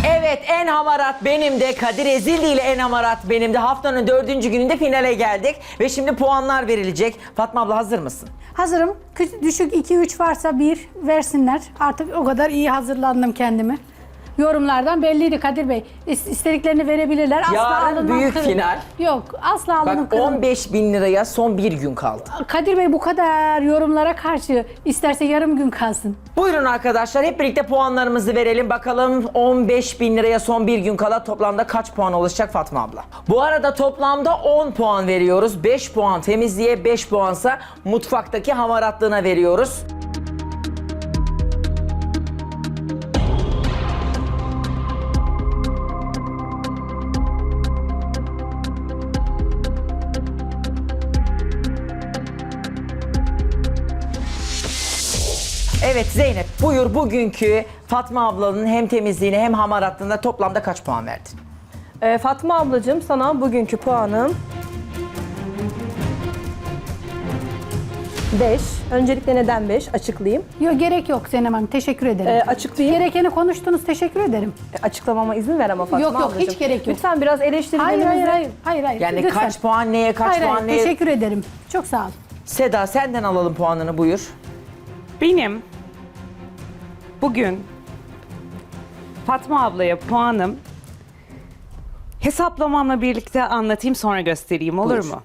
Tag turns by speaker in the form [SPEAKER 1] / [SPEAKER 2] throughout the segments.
[SPEAKER 1] Evet, en hamarat benim de, Kadir Ezildi ile en hamarat benim de. Haftanın 4. gününde finale geldik ve şimdi puanlar verilecek. Fatma abla hazır mısın?
[SPEAKER 2] Hazırım. Düşük 2-3 varsa 1 versinler. Artık o kadar iyi hazırlandım kendimi. Yorumlardan belliydi Kadir Bey. İstediklerini verebilirler. Asla
[SPEAKER 1] Yarın
[SPEAKER 2] alınmam
[SPEAKER 1] büyük final.
[SPEAKER 2] Yok, asla alınmam
[SPEAKER 1] Bak 15.000 liraya son bir gün kaldı.
[SPEAKER 2] Kadir Bey bu kadar yorumlara karşı isterse yarım gün kalsın.
[SPEAKER 1] Buyurun arkadaşlar, hep birlikte puanlarımızı verelim. Bakalım 15.000 liraya son bir gün kala toplamda kaç puan olacak Fatma abla? Bu arada toplamda 10 puan veriyoruz. 5 puan temizliğe, 5 puansa mutfaktaki hamaratlığına veriyoruz. Evet Zeynep, buyur bugünkü Fatma ablanın hem temizliğine hem hamaratlığına toplamda kaç puan verdin?
[SPEAKER 3] Fatma ablacığım, sana bugünkü puanım 5. Öncelikle neden 5? Açıklayayım.
[SPEAKER 2] Yok, gerek yok Zeynep Hanım. Teşekkür ederim.
[SPEAKER 3] Açıklayayım.
[SPEAKER 2] Gerekeni konuştunuz. Teşekkür ederim.
[SPEAKER 3] Açıklamama izin ver ama Fatma
[SPEAKER 2] Yok, yok,
[SPEAKER 3] ablacığım.
[SPEAKER 2] hiç gerek yok.
[SPEAKER 3] Lütfen biraz
[SPEAKER 2] Hayır,
[SPEAKER 3] eleştirilerimizi...
[SPEAKER 2] hayır.
[SPEAKER 1] Yani
[SPEAKER 2] Lütfen.
[SPEAKER 1] kaç puan neye, kaç puan neye?
[SPEAKER 2] Teşekkür ederim. Çok sağ ol.
[SPEAKER 1] Seda senden alalım puanını, buyur.
[SPEAKER 4] Benim bugün Fatma ablaya puanım hesaplamamla birlikte anlatayım, sonra göstereyim, olur
[SPEAKER 1] Buyur.
[SPEAKER 4] mu?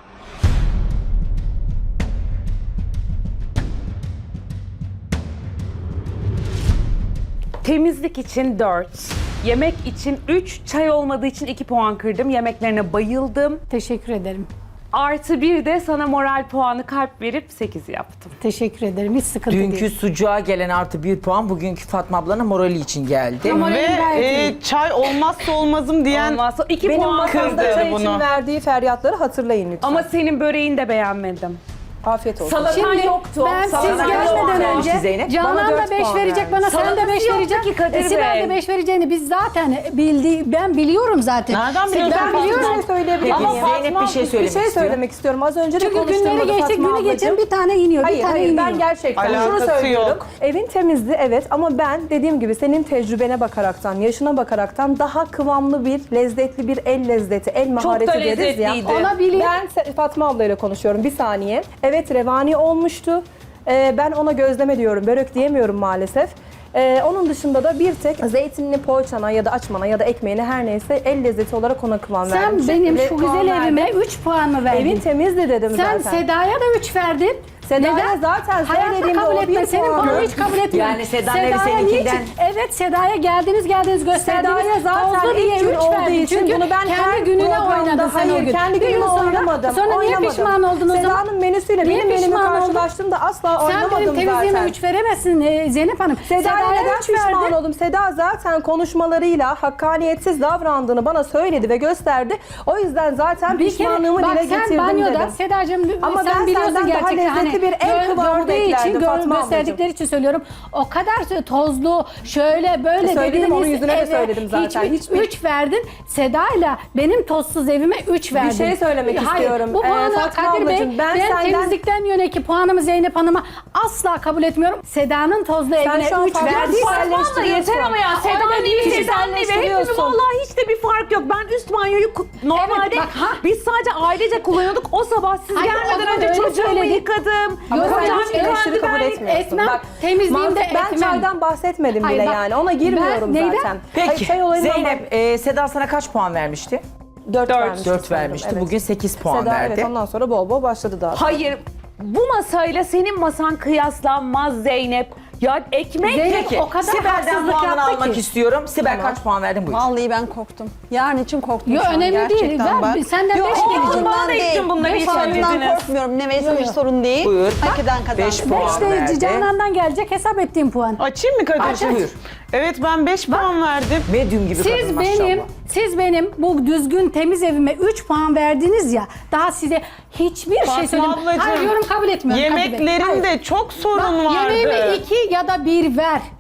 [SPEAKER 4] Temizlik için 4, yemek için 3, çay olmadığı için 2 puan kırdım. Yemeklerine bayıldım.
[SPEAKER 2] Teşekkür ederim.
[SPEAKER 4] Artı bir de sana moral puanı kalp verip 8 yaptım.
[SPEAKER 2] Teşekkür ederim. Hiç sıkıntı
[SPEAKER 1] Dünkü
[SPEAKER 2] değil.
[SPEAKER 1] sucuğa gelen artı 1 puan bugünkü Fatma ablanın morali için geldi.
[SPEAKER 2] Ama
[SPEAKER 5] Ve
[SPEAKER 2] gayet iyi.
[SPEAKER 5] çay olmazsa olmazım diyen
[SPEAKER 4] Olmazsa 2
[SPEAKER 3] Benim
[SPEAKER 4] puan
[SPEAKER 3] masamda
[SPEAKER 4] kırdı.
[SPEAKER 3] çay için
[SPEAKER 5] bunu.
[SPEAKER 3] verdiği feryatları hatırlayın lütfen.
[SPEAKER 4] Ama senin böreğini de beğenmedim.
[SPEAKER 3] Afiyet olsun.
[SPEAKER 4] Salatan yoktu.
[SPEAKER 2] Ben siz
[SPEAKER 4] Salatan
[SPEAKER 2] gelmeden
[SPEAKER 4] yoktu.
[SPEAKER 2] önce
[SPEAKER 1] Zeynep.
[SPEAKER 2] Canan
[SPEAKER 3] Bana
[SPEAKER 2] da
[SPEAKER 3] 4
[SPEAKER 2] 5
[SPEAKER 3] puan
[SPEAKER 2] verecek
[SPEAKER 3] verdi.
[SPEAKER 2] bana, sen de
[SPEAKER 4] Salatası
[SPEAKER 2] 5
[SPEAKER 4] yoktu
[SPEAKER 2] vereceksin.
[SPEAKER 4] ki Kadir
[SPEAKER 2] Sibel
[SPEAKER 4] Bey.
[SPEAKER 2] de 5 vereceğini biz zaten ben biliyorum zaten.
[SPEAKER 5] Nereden biliyorsun
[SPEAKER 2] Ben
[SPEAKER 5] Fatma?
[SPEAKER 2] biliyorum.
[SPEAKER 3] Bir şey söyleyebilir
[SPEAKER 1] Peki
[SPEAKER 3] miyim?
[SPEAKER 1] Zeynep bir şey
[SPEAKER 3] Bir
[SPEAKER 1] söylemek
[SPEAKER 3] şey
[SPEAKER 1] istiyor.
[SPEAKER 3] söylemek istiyorum. Az önce de
[SPEAKER 2] Çünkü günleri
[SPEAKER 3] konuştuğumda
[SPEAKER 2] geçti,
[SPEAKER 3] Fatma
[SPEAKER 2] günü geçen
[SPEAKER 3] ablacığım.
[SPEAKER 2] bir tane iniyor,
[SPEAKER 3] Hayır,
[SPEAKER 2] bir tane
[SPEAKER 3] hayır,
[SPEAKER 2] iniyor.
[SPEAKER 3] ben gerçekten şunu
[SPEAKER 5] Alakası
[SPEAKER 3] söylüyorum.
[SPEAKER 5] yok.
[SPEAKER 3] Evin temizdi evet, ama ben dediğim gibi senin tecrübene bakaraktan, yaşına bakaraktan daha kıvamlı bir, lezzetli bir el lezzeti, el mahareti
[SPEAKER 4] da
[SPEAKER 3] deriz ya.
[SPEAKER 4] lezzetliydi.
[SPEAKER 2] Olabilir.
[SPEAKER 3] Ben Fatma ablayla konuşuyorum bir saniye. Evet, revani olmuştu. Ben ona gözleme diyorum, börek diyemiyorum maalesef. Onun dışında da bir tek zeytinli poğaçana ya da açmana ya da ekmeğine, her neyse, el lezzeti olarak ona kıvam verdim.
[SPEAKER 2] Sen benim şu
[SPEAKER 3] Puan
[SPEAKER 2] güzel
[SPEAKER 3] verdim.
[SPEAKER 2] evime 3 puan mı verdin?
[SPEAKER 3] Evin temizdi dedim
[SPEAKER 2] Sen
[SPEAKER 3] zaten.
[SPEAKER 2] Seda'ya da 3 verdin.
[SPEAKER 3] Seda'ya zaten
[SPEAKER 2] Hayatta
[SPEAKER 3] söylediğimde
[SPEAKER 2] kabul
[SPEAKER 3] o
[SPEAKER 2] etme.
[SPEAKER 3] bir
[SPEAKER 2] Senin
[SPEAKER 3] puan.
[SPEAKER 2] puanı hiç kabul etmiyorum.
[SPEAKER 1] Yani Seda'nın evi
[SPEAKER 2] Seda'ya
[SPEAKER 1] seninkinden-
[SPEAKER 2] niçin? Evet, Seda'ya geldiniz gösterdiniz.
[SPEAKER 3] Seda'ya zaten
[SPEAKER 2] Tozlu diye
[SPEAKER 3] ilk gün
[SPEAKER 2] üç
[SPEAKER 3] olduğu
[SPEAKER 2] verdin.
[SPEAKER 3] için
[SPEAKER 2] Çünkü
[SPEAKER 3] bunu ben her
[SPEAKER 2] kendi gününe
[SPEAKER 3] programda,
[SPEAKER 2] oynadın sen o
[SPEAKER 3] hayır,
[SPEAKER 2] gün.
[SPEAKER 3] kendi
[SPEAKER 2] Bir gün
[SPEAKER 3] günüme
[SPEAKER 2] sonra-
[SPEAKER 3] oynamadım.
[SPEAKER 2] Sonra niye
[SPEAKER 3] oynamadım.
[SPEAKER 2] pişman oldun o zaman?
[SPEAKER 3] Seda'nın menüsüyle
[SPEAKER 2] Niye
[SPEAKER 3] benim menümü
[SPEAKER 2] pişman oldun?
[SPEAKER 3] karşılaştığımda asla
[SPEAKER 2] Sen
[SPEAKER 3] oynamadım
[SPEAKER 2] benim temizliğime
[SPEAKER 3] zaten.
[SPEAKER 2] 3 veremezsin Zeynep Hanım.
[SPEAKER 3] Seda'ya neden
[SPEAKER 2] üç
[SPEAKER 3] pişman
[SPEAKER 2] verdin.
[SPEAKER 3] oldum? Seda zaten konuşmalarıyla hakkaniyetsiz davrandığını bana söyledi ve gösterdi. O yüzden zaten
[SPEAKER 2] Bir kere
[SPEAKER 3] pişmanlığımı
[SPEAKER 2] bak,
[SPEAKER 3] dile
[SPEAKER 2] sen
[SPEAKER 3] getirdim
[SPEAKER 2] banyoda
[SPEAKER 3] dedim.
[SPEAKER 2] Sedacığım,
[SPEAKER 3] Ama
[SPEAKER 2] sen
[SPEAKER 3] ben
[SPEAKER 2] biliyorsun
[SPEAKER 3] senden daha
[SPEAKER 2] gerçekten.
[SPEAKER 3] lezzetli bir el kıvamı
[SPEAKER 2] gördüğü için,
[SPEAKER 3] beklerdim Fatma
[SPEAKER 2] gösterdikleri için söylüyorum. O kadar tozlu, şöyle böyle
[SPEAKER 3] Söyledim, onun yüzüne de
[SPEAKER 2] eve
[SPEAKER 3] söyledim zaten. Hiçbir-
[SPEAKER 2] 3 verdin. Seda'yla benim tozsuz evime 3 verdin.
[SPEAKER 3] şey söylemek istiyorum.
[SPEAKER 2] Bu puanı
[SPEAKER 3] Fatma
[SPEAKER 2] Kadir Bey,
[SPEAKER 3] ablacığım,
[SPEAKER 2] ben
[SPEAKER 3] senden-
[SPEAKER 2] temizlikten yöneki puanımı Zeynep Hanım'a asla kabul etmiyorum. Seda'nın tozlu evine
[SPEAKER 3] şu an
[SPEAKER 2] 3
[SPEAKER 3] Fatma
[SPEAKER 2] verdin.
[SPEAKER 3] kişiselleştiriyorsun.
[SPEAKER 4] Yeter ama ya, Seda'nın evi, Seda'nın evi. Hepimiz
[SPEAKER 3] kişiselleştiriyorsun.
[SPEAKER 4] vallahi hiç de bir fark yok. Ben üst banyoyu normalde
[SPEAKER 2] bak, ha.
[SPEAKER 4] biz sadece ailece kullanıyorduk. O sabah siz
[SPEAKER 2] Hayır, o
[SPEAKER 4] gelmeden
[SPEAKER 2] zaman
[SPEAKER 4] önce
[SPEAKER 2] öyle
[SPEAKER 4] çocuğumu
[SPEAKER 2] söyledik.
[SPEAKER 4] yıkadım.
[SPEAKER 3] Ama sen
[SPEAKER 4] Kocam
[SPEAKER 3] hiç eleştiri
[SPEAKER 4] yıkandı,
[SPEAKER 3] kabul
[SPEAKER 4] ben
[SPEAKER 3] etmiyorsun.
[SPEAKER 2] etmem.
[SPEAKER 3] Bak,
[SPEAKER 2] Temizliğimde
[SPEAKER 3] ben
[SPEAKER 2] etmem.
[SPEAKER 3] çaydan bahsetmedim
[SPEAKER 2] Hayır,
[SPEAKER 3] bile
[SPEAKER 2] bak,
[SPEAKER 3] yani. Ona girmiyorum
[SPEAKER 2] ben neyden?
[SPEAKER 3] zaten.
[SPEAKER 1] Peki
[SPEAKER 3] Çay olayından
[SPEAKER 1] Zeynep, Seda sana kaç puan vermişti?
[SPEAKER 3] 4
[SPEAKER 1] 4 vermişti.
[SPEAKER 3] Evet.
[SPEAKER 1] Bugün 8 puan
[SPEAKER 3] Seda
[SPEAKER 1] verdi.
[SPEAKER 3] evet, ondan sonra bol bol başladı daha.
[SPEAKER 4] Hayır. Bu masayla senin masan kıyaslanmaz Zeynep. Ya ekmek
[SPEAKER 2] Zeynep,
[SPEAKER 1] Peki
[SPEAKER 2] o kadar
[SPEAKER 1] Sibel'den
[SPEAKER 2] haksızlık
[SPEAKER 1] puanını
[SPEAKER 2] yaptı
[SPEAKER 1] almak
[SPEAKER 2] ki.
[SPEAKER 1] istiyorum. Sibel kaç puan verdin, buyur.
[SPEAKER 6] Vallahi ben korktum. Yarın için korktum
[SPEAKER 2] Yo,
[SPEAKER 6] şu an
[SPEAKER 2] önemli değil.
[SPEAKER 6] gerçekten
[SPEAKER 2] Ver,
[SPEAKER 6] bak.
[SPEAKER 2] senden
[SPEAKER 6] Yok,
[SPEAKER 2] beş
[SPEAKER 6] o
[SPEAKER 2] gelecek.
[SPEAKER 6] puanından
[SPEAKER 4] Bana da
[SPEAKER 6] değil.
[SPEAKER 4] ektim bunları, hiç
[SPEAKER 6] Puanından
[SPEAKER 4] söylediniz.
[SPEAKER 6] korkmuyorum. Ne verse bir sorun değil.
[SPEAKER 1] Buyur.
[SPEAKER 6] Hak eden kazandı.
[SPEAKER 1] 5 puan
[SPEAKER 2] 5 de
[SPEAKER 1] verdi.
[SPEAKER 2] Canan'dan gelecek hesap ettiğim puan.
[SPEAKER 5] Açayım mı Kadir?
[SPEAKER 1] Aç, buyur.
[SPEAKER 5] Evet, ben 5 puan verdim.
[SPEAKER 1] Medium gibi kadın maşallah.
[SPEAKER 2] Siz benim bu düzgün temiz evime 3 puan verdiniz ya. Daha size hiçbir şey
[SPEAKER 5] Fatma
[SPEAKER 2] söyledim.
[SPEAKER 5] ablacığım,
[SPEAKER 2] Hayır, yorum kabul etmiyorum. Kadir Bey. Hayır.
[SPEAKER 5] Yemeklerinde çok sorun
[SPEAKER 2] Bak,
[SPEAKER 5] vardı.
[SPEAKER 2] yemeğime 2 ya da 1 ver.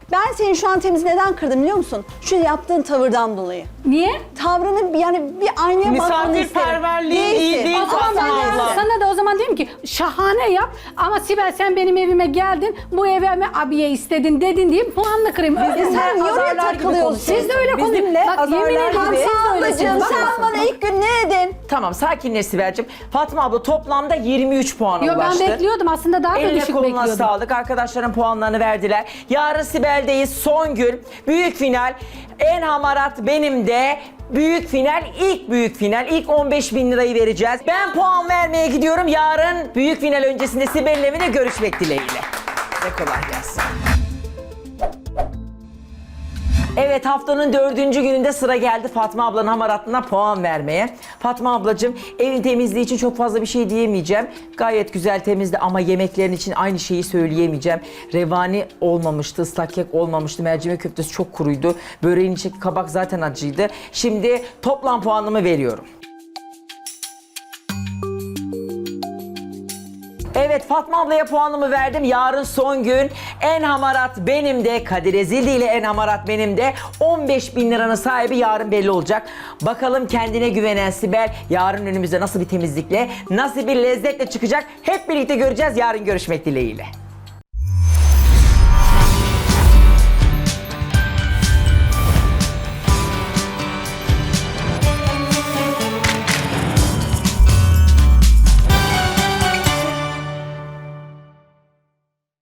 [SPEAKER 6] Ben seni şu an temiz neden kırdım biliyor musun? Şu yaptığın tavırdan dolayı.
[SPEAKER 2] Niye?
[SPEAKER 6] Tavrını yani bir aynaya bakmanı isterim.
[SPEAKER 5] Misafirperverliğin iyi
[SPEAKER 6] Değilsin.
[SPEAKER 5] değil
[SPEAKER 2] O zaman
[SPEAKER 5] Fatma
[SPEAKER 2] ben
[SPEAKER 5] abla.
[SPEAKER 2] sana da o zaman diyeyim ki şahane yap ama Sibel sen benim evime geldin bu eve mi abiye istedin dedin diye puanını kırayım.
[SPEAKER 6] Sen niye oraya
[SPEAKER 3] Azarlar gibi
[SPEAKER 6] takılıyorsun?
[SPEAKER 3] konuşuyorsun.
[SPEAKER 2] Siz de öyle konuşun.
[SPEAKER 3] Bizimle
[SPEAKER 2] Bak yemin
[SPEAKER 3] azarlar
[SPEAKER 2] ediyorum
[SPEAKER 3] gibi.
[SPEAKER 2] siz de
[SPEAKER 6] Ablacığım
[SPEAKER 2] öylesiniz.
[SPEAKER 6] sen bana ilk gün ne dedin?
[SPEAKER 1] Tamam sakinleş Sibel'cim. Fatma abla toplamda 23 puana
[SPEAKER 2] Yo, ben
[SPEAKER 1] ulaştı.
[SPEAKER 2] bekliyordum aslında daha da
[SPEAKER 1] Eline
[SPEAKER 2] düşük
[SPEAKER 1] koluna
[SPEAKER 2] bekliyordum.
[SPEAKER 1] sağlık. Arkadaşların puanlarını verdiler. Yarın Sibel'deyiz. Son gün. Büyük final. En hamarat benim de. Büyük final, ilk büyük final. İlk 15.000 lirayı vereceğiz. Ben puan vermeye gidiyorum. Yarın büyük final öncesinde Sibel'in evine görüşmek dileğiyle. Ve kolay gelsin. Evet haftanın 4. gününde sıra geldi Fatma ablanın hamaratına puan vermeye. Fatma ablacığım evin temizliği için çok fazla bir şey diyemeyeceğim. Gayet güzel temizdi ama yemeklerin için aynı şeyi söyleyemeyeceğim. Revani olmamıştı, ıslak kek olmamıştı, mercimek köftesi çok kuruydu. Böreğin içindeki kabak zaten acıydı. Şimdi toplam puanımı veriyorum. Evet Fatma ablaya puanımı verdim. Yarın son gün. En hamarat benim de. Kadir Ezildi ile en hamarat benim de. 15.000 liranın sahibi yarın belli olacak. Bakalım kendine güvenen Sibel yarın önümüze nasıl bir temizlikle, nasıl bir lezzetle çıkacak. Hep birlikte göreceğiz. Yarın görüşmek dileğiyle.